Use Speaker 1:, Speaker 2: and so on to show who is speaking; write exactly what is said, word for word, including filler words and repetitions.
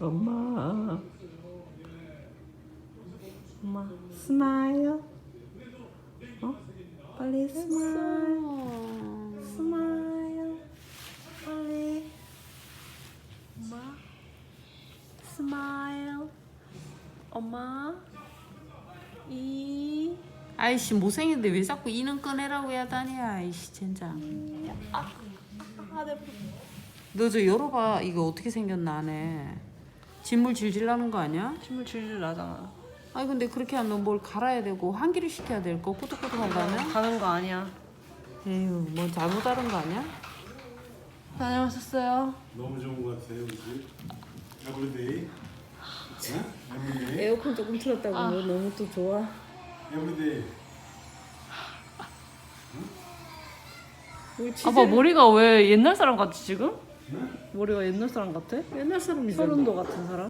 Speaker 1: 엄마. 엄마 스마일. 어? 빨리 스마일. 스마일. 빨리. 엄마. 스마일. 엄마. 이.
Speaker 2: 아이씨 못생긴데 왜 자꾸 이는 꺼내라고 해야 다니. 아이씨 진짜.
Speaker 1: 아, 내
Speaker 2: 너 저 열어봐. 이거 어떻게 생겼나 안에. 진물 질질 나는 거 아니야?
Speaker 1: 침을 질질 나잖아.
Speaker 2: 아니 근데 그렇게 하면 뭘 갈아야 되고 환기를 시켜야 될 거 꾸덕꾸덕하다면?
Speaker 1: 가는 거 아니야.
Speaker 2: 에휴 뭐 잘못 하는 거 아니야?
Speaker 1: 다녀오셨어요?
Speaker 3: 너무 좋은 것 같아요, 우리 집. 에브리데이. 응? 에브리데이.
Speaker 2: 에어컨 조금 틀었다고
Speaker 1: 아.
Speaker 2: 너 너무 또 좋아.
Speaker 3: 에브리데이.
Speaker 2: 우리
Speaker 1: 아빠 머리가 왜 옛날 사람 같지 지금?
Speaker 3: 응?
Speaker 1: 머리가 옛날 사람 같아?
Speaker 2: 옛날 사람이잖아.
Speaker 1: 서른도 같은 사람?